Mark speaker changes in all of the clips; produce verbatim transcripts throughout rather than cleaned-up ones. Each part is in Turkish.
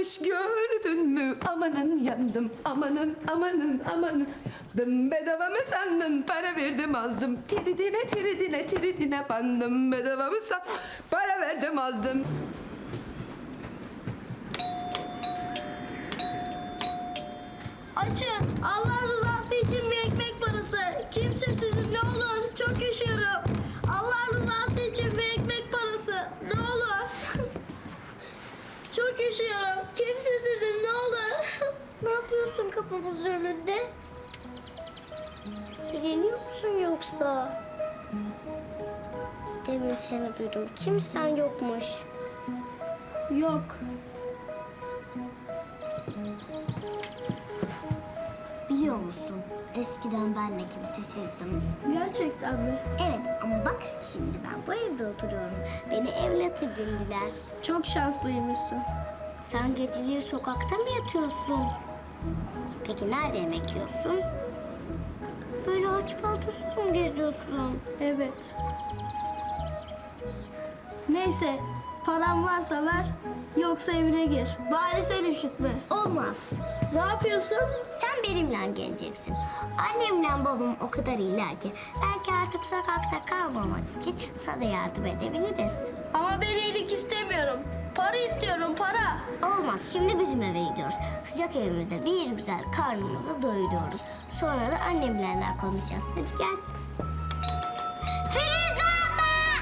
Speaker 1: varmış gördün mü? Amanın yandım, amanın amanın amanın. Dım bedava mı sandın? Para verdim aldım. Tiridine tiridine tiridine bandım. Bedava mı sandın? Para verdim aldım.
Speaker 2: Açın. Allah rızası için bir ekmek parası. Kimsesizim ne olur. Çok üşüyorum. Allah rızası için bir ekmek parası. Ne olur. Çok üşüyorum. Kimsesizim ne olur. Ne yapıyorsun kapımızın önünde? Dileniyor musun yoksa? Demin seni duydum. Kimsen yokmuş. Yok.
Speaker 3: Biliyor musun? Eskiden ben de kimsesizdim.
Speaker 2: Gerçekten mi?
Speaker 3: Evet ama bak şimdi ben bu evde oturuyorum. Beni evlat edindiler.
Speaker 2: Çok şanslıymışsın.
Speaker 3: Sen geceleri sokakta mı yatıyorsun? Peki nerede yemek yiyorsun? Böyle aç paltosuz mu geziyorsun?
Speaker 2: Evet. Neyse, param varsa ver, yoksa evine gir. Bari sen üşütme.
Speaker 3: Olmaz.
Speaker 2: Ne yapıyorsun?
Speaker 3: Sen benimle geleceksin. Annemle babam o kadar iyiler ki belki artık sokakta kalmaman için sana yardım edebiliriz.
Speaker 2: Ama ben iyilik istemiyorum. Para istiyorum, para.
Speaker 3: Olmaz. Şimdi bizim eve gidiyoruz. Sıcak evimizde bir güzel karnımızı doyuruyoruz. Sonra da annemlerle konuşacağız. Hadi gel. Firuze abla!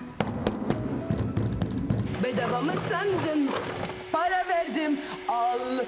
Speaker 1: Bedava mı sandın? Para verdim aldım.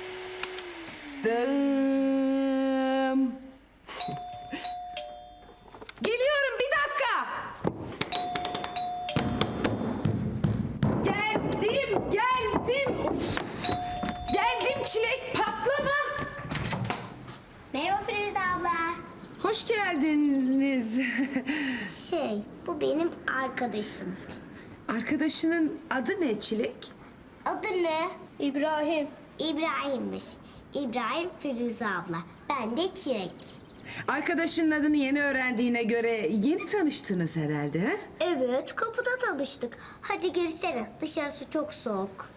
Speaker 1: Geliyorum bir dakika. Geldim, geldim. Geldim Çilek, patlama.
Speaker 3: Merhaba Firuze abla.
Speaker 1: Hoş geldiniz.
Speaker 3: Şey, bu benim arkadaşım.
Speaker 1: Arkadaşının adı ne Çilek?
Speaker 3: Adı ne?
Speaker 2: İbrahim.
Speaker 3: İbrahim'miş. İbrahim Firuze abla. Ben de Çilek.
Speaker 1: Arkadaşının adını yeni öğrendiğine göre yeni tanıştınız herhalde, he?
Speaker 3: Evet, kapıda tanıştık. Hadi girsene. Dışarısı çok soğuk.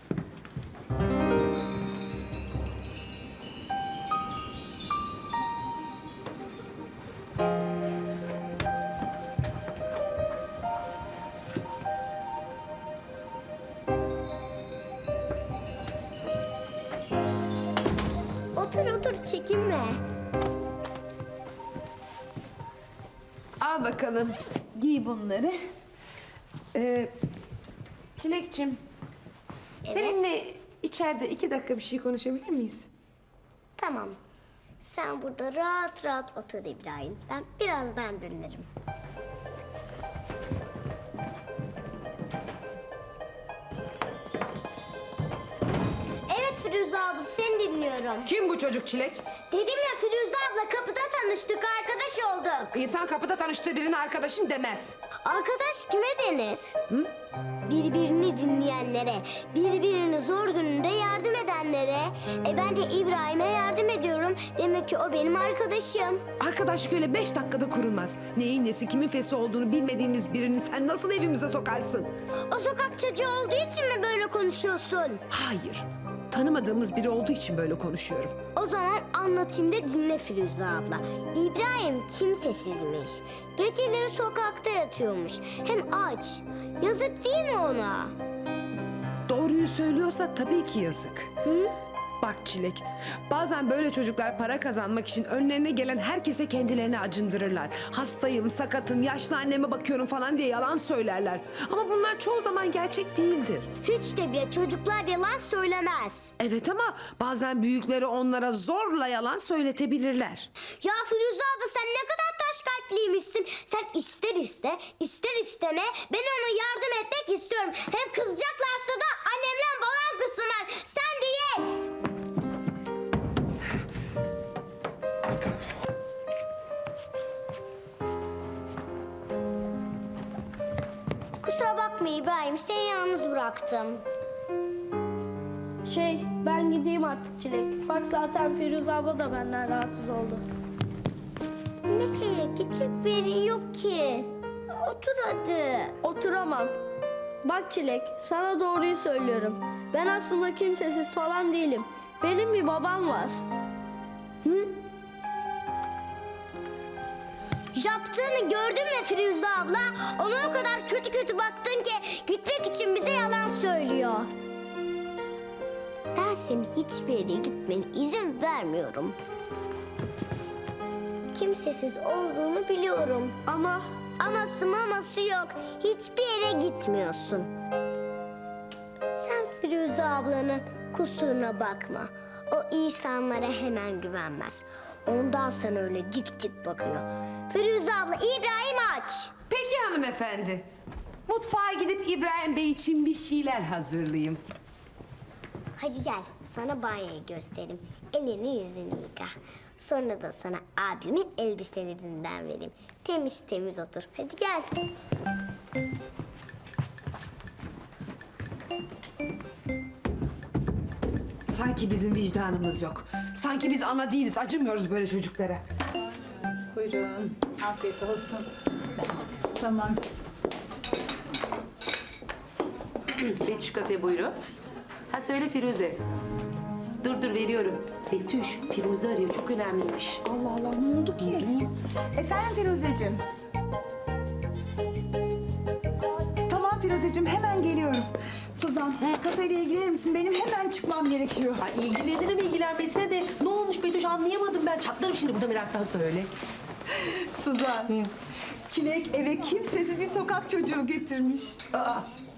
Speaker 3: Otur otur, çekinme.
Speaker 1: Al bakalım. Giy bunları. Ee, Çilekçim, seninle içeride iki dakika bir şey konuşabilir miyiz?
Speaker 3: Tamam. Sen burada rahat rahat otur İbrahim. Ben birazdan dönerim. Evet Firuze abla, seni dinliyorum.
Speaker 1: Kim bu çocuk Çilek?
Speaker 3: Dedim ya Firuze abla, kapıda tanıştık, arkadaş olduk.
Speaker 1: İnsan kapıda tanıştığı birine arkadaşın demez.
Speaker 3: Arkadaş kime denir? Hı? Birbirini dinleyenlere, birbirini zor gününde yardım edenlere. E ben de İbrahim'e yardım ediyorum. Demek ki o benim arkadaşım.
Speaker 1: Arkadaşlık öyle beş dakikada kurulmaz. Neyin nesi, kimin fesi olduğunu bilmediğimiz birini sen nasıl evimize sokarsın?
Speaker 3: O sokak çocuğu olduğu için mi böyle konuşuyorsun?
Speaker 1: Hayır, tanımadığımız biri olduğu için böyle konuşuyorum.
Speaker 3: O zaman anlatayım da dinle Firuze abla. İbrahim kimsesizmiş. Geceleri sokakta yatıyormuş. Hem aç. Yazık değil mi ona?
Speaker 1: Doğruyu söylüyorsa tabii ki yazık.
Speaker 3: Hı?
Speaker 1: Bak Çilek, bazen böyle çocuklar para kazanmak için önlerine gelen herkese kendilerini acındırırlar. Hastayım, sakatım, yaşlı anneme bakıyorum falan diye yalan söylerler. Ama bunlar çoğu zaman gerçek değildir.
Speaker 3: Hiç de bile çocuklar yalan söylemez.
Speaker 1: Evet ama bazen büyükleri onlara zorla yalan söyletebilirler.
Speaker 3: Ya Firuze abla, sen ne kadar taş kalpliymişsin. Sen ister iste, ister isteme ben ona yardım etmek istiyorum. Hem kızacaklarsa da annemle babam kızsınlar. Sen değil. Kusura bakma İbrahim, seni yalnız bıraktım.
Speaker 2: Şey, ben gideyim artık Çilek. Bak zaten Firuze abla da benden rahatsız oldu.
Speaker 3: Nereye? Gidecek bir yerin yok ki. Otur hadi.
Speaker 2: Oturamam. Bak Çilek, sana doğruyu söylüyorum. Ben aslında kimsesiz falan değilim. Benim bir babam var.
Speaker 3: Yaptığını gördün mü Firuze abla? Ona o kadar kötü kötü baktın ki gitmek için bize yalan söylüyor. Ben senin hiçbir yere gitmene izin vermiyorum. Kimsesiz olduğunu biliyorum.
Speaker 2: Ama
Speaker 3: Aması maması yok. Hiçbir yere gitmiyorsun. Sen Firuze ablanın kusuruna bakma. O insanlara hemen güvenmez. Ondan sana öyle dik dik bakıyor. Firuze abla, İbrahim aç.
Speaker 1: Peki hanımefendi. Mutfağa gidip İbrahim Bey için bir şeyler hazırlayayım.
Speaker 3: Hadi gel, sana banyoyu göstereyim. Elini yüzünü yıka. Sonra da sana abimin elbiselerinden vereyim. Temiz temiz otur. Hadi gel.
Speaker 1: Sanki bizim vicdanımız yok. Sanki biz ana değiliz, acımıyoruz böyle çocuklara.
Speaker 4: Buyurun. Afiyet olsun. Tamam.
Speaker 5: Betüş kafe buyurun. Ha söyle Firuze. Dur dur veriyorum. Betüş, Firuze arıyor. Çok önemliymiş.
Speaker 4: Allah Allah ne oldu ki? Efendim Firuzeciğim. Tamam Firuzeciğim hemen geliyorum. Suzan kafeyle ilgilenir misin? Benim hemen çıkmam gerekiyor.
Speaker 5: Ay ilgilenirim ilgilenmesine de. Ne olmuş Betüş anlayamadım ben. Çatlarım şimdi burada meraktan söyle.
Speaker 4: Suzan. Çilek eve kimsesiz bir sokak çocuğu getirmiş.
Speaker 5: Aa,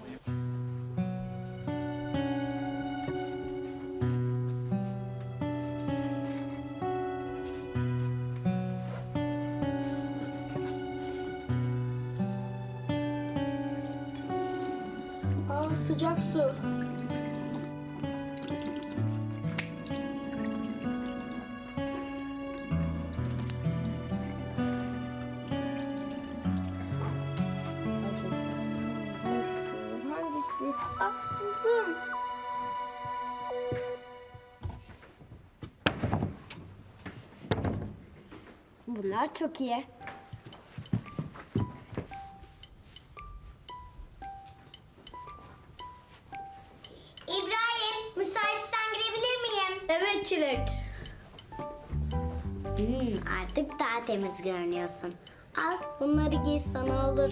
Speaker 2: aa, sıcak su.
Speaker 3: Hangisi? Ah, buldum. Bunlar çok iyi. İbrahim, müsaitsen girebilir miyim?
Speaker 2: Evet Çilek.
Speaker 3: Hmm, artık daha temiz görünüyorsun. Al, bunları giy sana olur.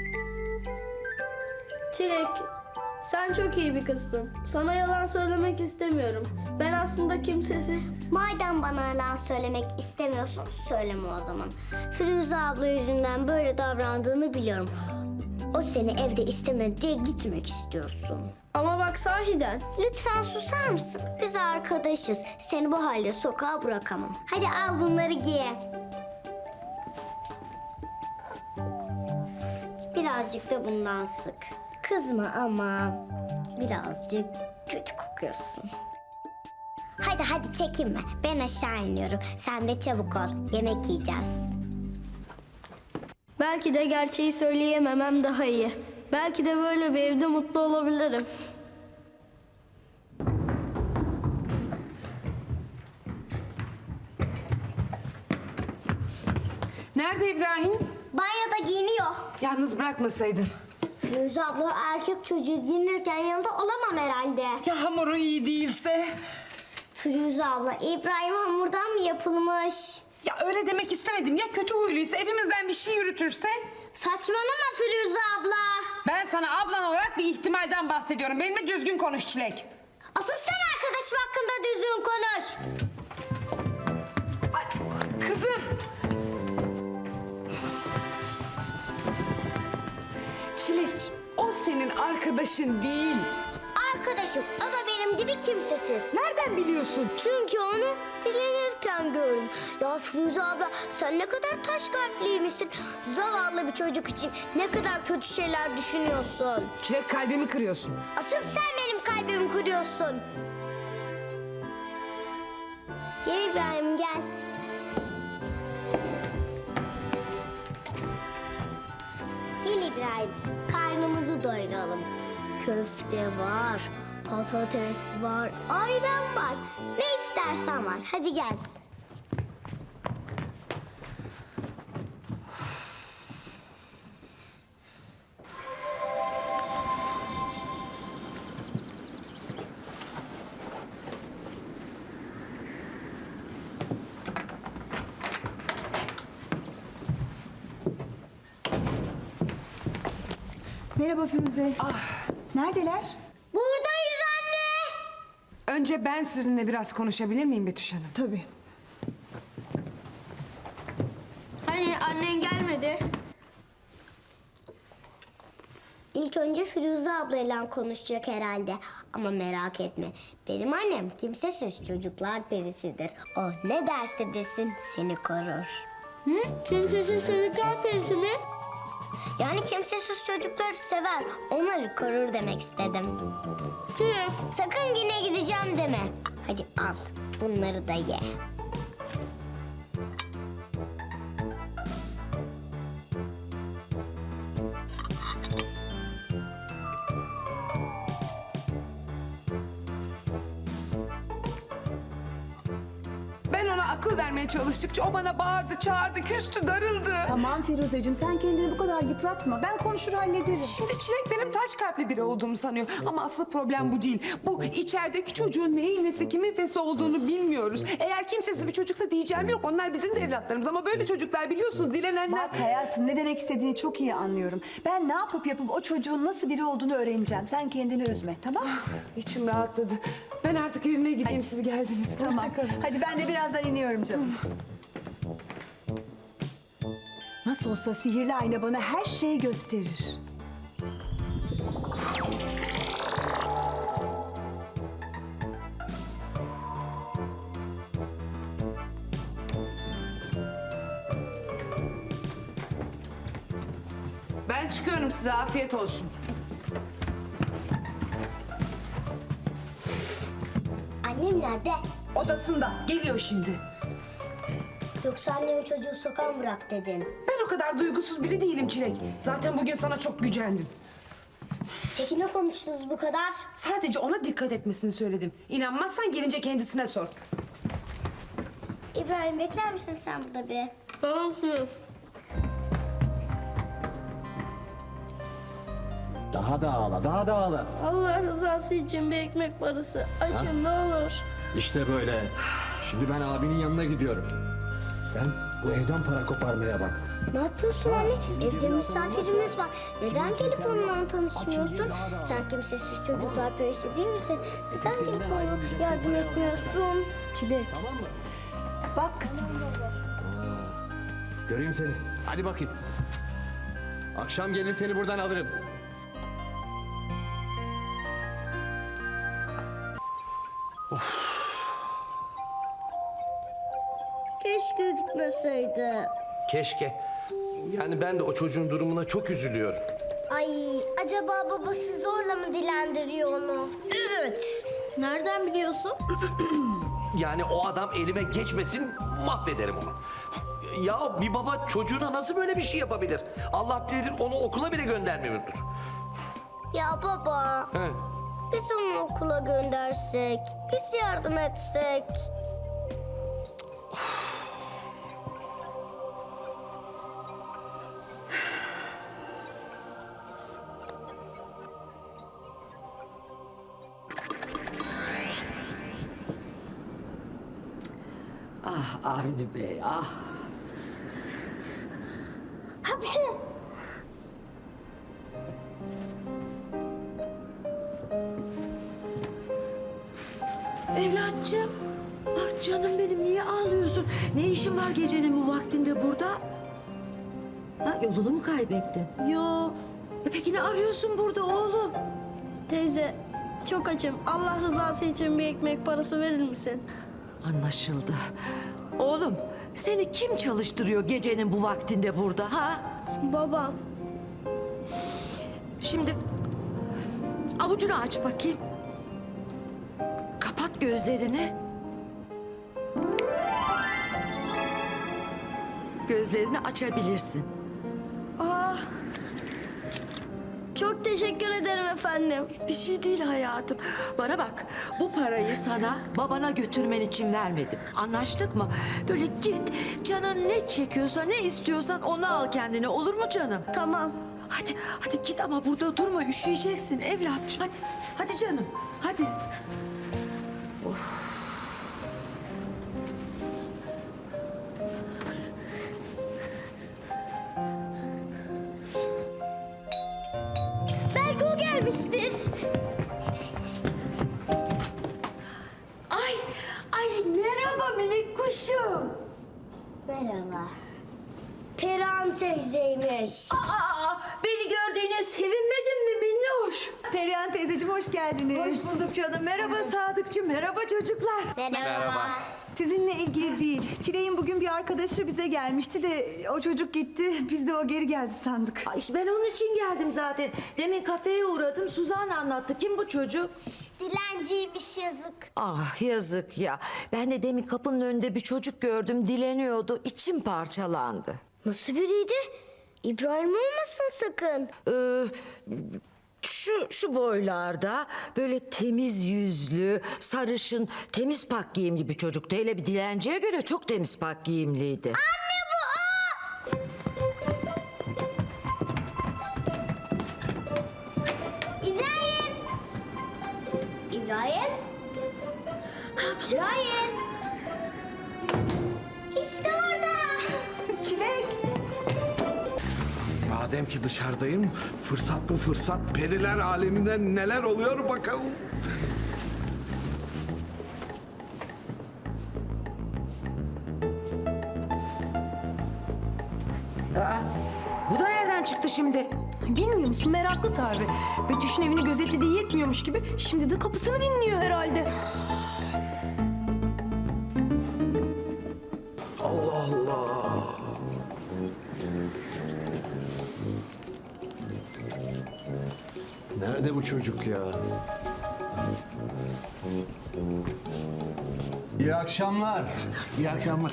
Speaker 2: Çilek, sen çok iyi bir kızsın. Sana yalan söylemek istemiyorum. Ben aslında kimsesiz...
Speaker 3: Madem bana yalan söylemek istemiyorsun, söyleme o zaman. Firuze abla yüzünden böyle davrandığını biliyorum. O seni evde istemedi diye gitmek istiyorsun.
Speaker 2: Ama bak sahiden.
Speaker 3: Lütfen susar mısın? Biz arkadaşız. Seni bu halde sokağa bırakamam. Hadi al bunları giy. Birazcık da bundan sık. Kızma ama birazcık kötü kokuyorsun. Hadi hadi çekinme. Ben aşağı iniyorum. Sen de çabuk ol. Yemek yiyeceğiz.
Speaker 2: Belki de gerçeği söyleyememem daha iyi. Belki de böyle bir evde mutlu olabilirim.
Speaker 1: Nerede İbrahim?
Speaker 3: Banyoda giyiniyor.
Speaker 1: Yalnız bırakmasaydın.
Speaker 3: Firuze abla o erkek çocuğu giyinirken yanında olamam herhalde.
Speaker 1: Ya hamuru iyi değilse?
Speaker 3: Firuze abla, İbrahim hamurdan mı yapılmış?
Speaker 1: Ya öyle demek istemedim. Ya kötü huyluysa, evimizden bir şey yürütürse?
Speaker 3: Saçmalama Firuze abla.
Speaker 1: Ben sana ablan olarak bir ihtimalden bahsediyorum. Benimle düzgün konuş Çilek.
Speaker 3: Asıl sen arkadaşım hakkında düzgün konuş.
Speaker 1: Ay, kızım. Çilek, o senin arkadaşın değil.
Speaker 3: Arkadaşım, o da benim gibi kimsesiz.
Speaker 1: Nereden biliyorsun?
Speaker 3: Çünkü onu dilenirken gördüm. Ya Firuze abla, sen ne kadar taş kalpliymişsin. Zavallı bir çocuk için ne kadar kötü şeyler düşünüyorsun.
Speaker 1: Çilek, kalbimi kırıyorsun.
Speaker 3: Asıl sen benim kalbimi kırıyorsun. Gel İbrahim, gel. Gel İbrahim, karnımızı doyuralım. Köfte var, patates var, ayran var. Ne istersen var. Hadi gel.
Speaker 4: Merhaba Firuze. Neredeler?
Speaker 3: Buradayız anne.
Speaker 1: Önce ben sizinle biraz konuşabilir miyim Betüş Hanım?
Speaker 4: Tabii.
Speaker 2: Hani annen gelmedi.
Speaker 3: İlk önce Firuze ablayla konuşacak herhalde. Ama merak etme. Benim annem kimsesiz çocuklar perisidir. O ne derse desin seni korur.
Speaker 2: Hı? Kimsesiz çocuklar perisi mi?
Speaker 3: Yani kimsesiz çocukları sever. Onları korur demek istedim.
Speaker 2: Çilek.
Speaker 3: Sakın yine gideceğim deme. Hadi al. Bunları da ye.
Speaker 1: Ben ona akıl vermeye çalıştıkça o bana bağırdı, çağırdı, küstü, darıldı.
Speaker 4: Tamam Firuzeciğim, sen kendini bu kadar yıpratma. Ben konuşur hallederim.
Speaker 1: Şimdi Çilek benim taş kalpli biri olduğumu sanıyor. Ama asıl problem bu değil. Bu içerideki çocuğun neyin nesi, kimin fesi olduğunu bilmiyoruz. Eğer kimsesiz bir çocuksa diyeceğim yok. Onlar bizim de evlatlarımız. Ama böyle çocuklar biliyorsunuz dilenenler...
Speaker 4: Bak hayatım, ne demek istediğini çok iyi anlıyorum. Ben ne yapıp yapıp o çocuğun nasıl biri olduğunu öğreneceğim. Sen kendini üzme, tamam mı?
Speaker 1: İçim rahatladı. Ben artık evime gideyim, siz geldiniz.
Speaker 4: Tamam.
Speaker 1: Hoşça kalın.
Speaker 4: Hadi ben de birazdan iniyorum canım. Nasıl olsa sihirli ayna bana her şeyi gösterir.
Speaker 1: Ben çıkıyorum, size afiyet olsun.
Speaker 3: Annem nerede?
Speaker 1: Odasında. Geliyor şimdi.
Speaker 3: Yoksa annemi çocuğu sokağa mı bırak dedin?
Speaker 1: Ben o kadar duygusuz biri değilim Çilek. Zaten bugün sana çok gücendim.
Speaker 3: Peki ne konuştunuz bu kadar?
Speaker 1: Sadece ona dikkat etmesini söyledim. İnanmazsan gelince kendisine sor.
Speaker 3: İbrahim bekler misin sen burada bir?
Speaker 2: Tamam Çilek.
Speaker 6: Daha da ağla, daha da ağla.
Speaker 2: Allah rızası için bir ekmek parası. Açın ne olur.
Speaker 6: İşte böyle. Şimdi ben abinin yanına gidiyorum. Sen bu evden para koparmaya bak.
Speaker 3: Ne yapıyorsun anne? Evde misafirimiz var. Neden gelip onunla tanışmıyorsun? Sen kimsesiz çocuklar perisi değil misin? Neden gelip ona yardım etmiyorsun?
Speaker 4: Çilek. Bak kızım.
Speaker 6: Göreyim seni. Hadi bakayım. Akşam gelir seni buradan alırım.
Speaker 3: Keşke gitmeseydi.
Speaker 7: Keşke. Yani ben de o çocuğun durumuna çok üzülüyorum.
Speaker 3: Ay acaba babası zorla mı dilendiriyor onu?
Speaker 2: Evet. Nereden biliyorsun?
Speaker 7: Yani o adam elime geçmesin, mahvederim onu. Ya bir baba çocuğuna nasıl böyle bir şey yapabilir? Allah bilir onu okula bile göndermiyordur.
Speaker 3: Ya baba,
Speaker 7: He.
Speaker 3: biz onu okula göndersek, biz yardım etsek.
Speaker 8: Ah Avni Bey, ah.
Speaker 3: Hapşi.
Speaker 8: Evlatçım. Ah canım benim, niye ağlıyorsun? Ne işin var gecenin bu vaktinde burada? Ha, yolunu mu kaybettin?
Speaker 2: Yo
Speaker 8: E peki ne arıyorsun burada oğlum?
Speaker 2: teyze çok açım. Allah rızası için bir ekmek parası verir misin?
Speaker 8: Anlaşıldı. Oğlum, seni kim çalıştırıyor gecenin bu vaktinde burada ha?
Speaker 2: Babam.
Speaker 8: Şimdi avucunu aç bakayım. Kapat gözlerini. Gözlerini açabilirsin.
Speaker 2: Ah. Çok teşekkür ederim efendim.
Speaker 8: Bir şey değil hayatım. Bana bak, bu parayı sana babana götürmen için vermedim. Anlaştık mı? Böyle git, canın ne çekiyorsa, ne istiyorsan onu al kendine. Olur mu canım?
Speaker 2: Tamam.
Speaker 8: Hadi, hadi git ama burada durma. Üşüyeceksin evlat. Hadi, hadi canım. Hadi.
Speaker 3: gelmiştir.
Speaker 8: Ay, ay merhaba minik kuşum.
Speaker 3: Merhaba. Perihan teyzeymiş.
Speaker 8: Aa, beni gördüğüne sevinmedin mi minnoş?
Speaker 4: Perihan teyzeciğim hoş geldiniz.
Speaker 8: Hoş bulduk canım. Merhaba Sadıkçım, merhaba çocuklar.
Speaker 3: Merhaba.
Speaker 4: Sizinle ilgili değil. Çilek'in bugün bir arkadaşı bize gelmişti de o çocuk gitti. Biz de o geri geldi sandık.
Speaker 8: Ay işte ben onun için geldim zaten. Demin kafeye uğradım, Suzan anlattı. Kim bu çocuk?
Speaker 3: Dilenciymiş yazık.
Speaker 8: Ah yazık ya. Ben de demin kapının önünde bir çocuk gördüm, dileniyordu. İçim parçalandı.
Speaker 3: Nasıl biriydi? İbrahim olmasın sakın.
Speaker 8: Ee, şu şu boylarda böyle temiz yüzlü, sarışın, temiz pak giyimli bir çocuktu. Hele bir dilenciye göre çok temiz pak giyimliydi.
Speaker 3: İbrahim. İbrahim. İbrahim. İşte orada.
Speaker 4: Çilek!
Speaker 9: Madem ki dışarıdayım, fırsat bu fırsat. Periler aleminde neler oluyor bakalım.
Speaker 8: Bu da nereden çıktı şimdi?
Speaker 1: Bilmiyor musun? Meraklı tabii. Betüş'ün evini gözetlediği yetmiyormuş gibi şimdi de kapısını dinliyor herhalde.
Speaker 9: Allah Allah.
Speaker 6: Nerede bu çocuk ya? İyi akşamlar.
Speaker 9: İyi akşamlar.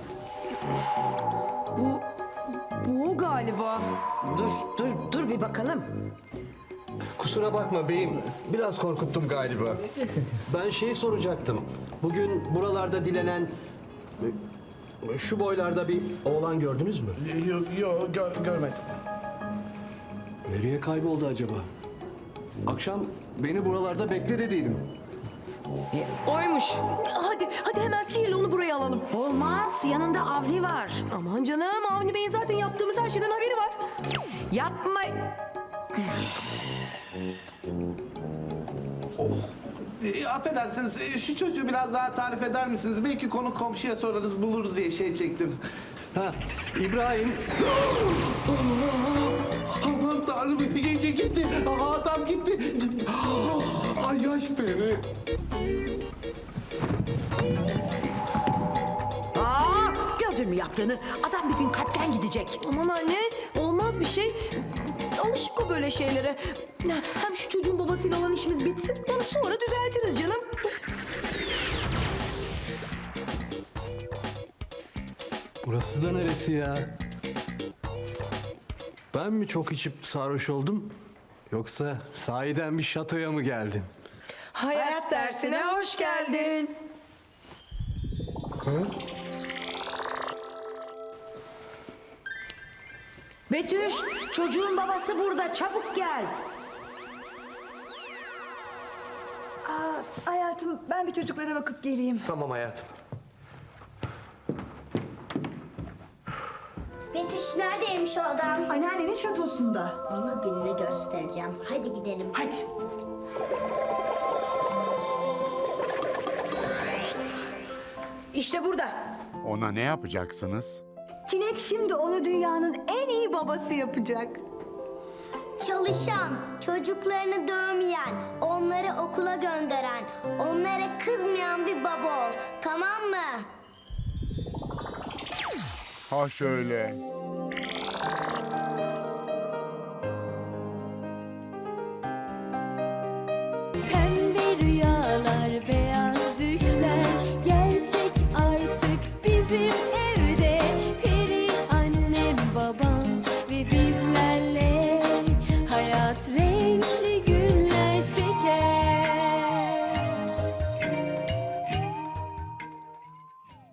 Speaker 1: Bu, bu o galiba.
Speaker 8: Dur, dur, dur bir bakalım.
Speaker 6: Kusura bakma beyim. Biraz korkuttum galiba. Ben şeyi soracaktım. Bugün buralarda dilenen e, şu boylarda bir oğlan gördünüz mü?
Speaker 9: Yok, yok gör, görmedim.
Speaker 6: Nereye kayboldu acaba? Akşam beni buralarda bekle dediydim.
Speaker 1: Oymuş. Hadi, hadi hemen sihirle onu buraya alalım.
Speaker 8: Olmaz, yanında Avni var.
Speaker 1: Aman canım, Avni Bey'in zaten yaptığımız her şeyden haberi var.
Speaker 8: Yapma.
Speaker 9: E, affedersiniz, e, şu çocuğu biraz daha tarif eder misiniz? Belki konu komşuya sorarız, buluruz diye şey çektim.
Speaker 6: Ha, İbrahim.
Speaker 9: Aman tanrım, g- g- gitti. Aa, adam gitti. Ay yaş peri.
Speaker 8: Aa, gördün mü yaptığını? Adam bir gün kalpten gidecek.
Speaker 1: Aman anne, olmaz bir şey. Alışık o böyle şeylere. Hem şu çocuğun babasıyla olan işimiz bitsin, onu sonra düzeltiriz canım.
Speaker 6: Burası da neresi ya? Ben mi çok içip sarhoş oldum? Yoksa sahiden bir şatoya mı geldim?
Speaker 1: Hayat dersine hoş geldin.
Speaker 8: Betüş, çocuğun babası burada. Çabuk gel.
Speaker 4: Aa, hayatım ben bir çocuklara bakıp geleyim.
Speaker 6: Tamam hayatım.
Speaker 3: Betüş neredeymiş o adam?
Speaker 4: Anneannenin şatosunda.
Speaker 3: Ona gününü göstereceğim. Hadi gidelim.
Speaker 4: Hadi.
Speaker 8: İşte burada.
Speaker 10: Ona ne yapacaksınız?
Speaker 4: Çilek şimdi onu dünyanın en iyi babası yapacak.
Speaker 3: Çalışan, çocuklarını dövmeyen, onları okula gönderen, onlara kızmayan bir baba ol. Tamam mı?
Speaker 10: Ha şöyle.
Speaker 11: Pembe rüyalar, beyaz düşler gerçek artık bizim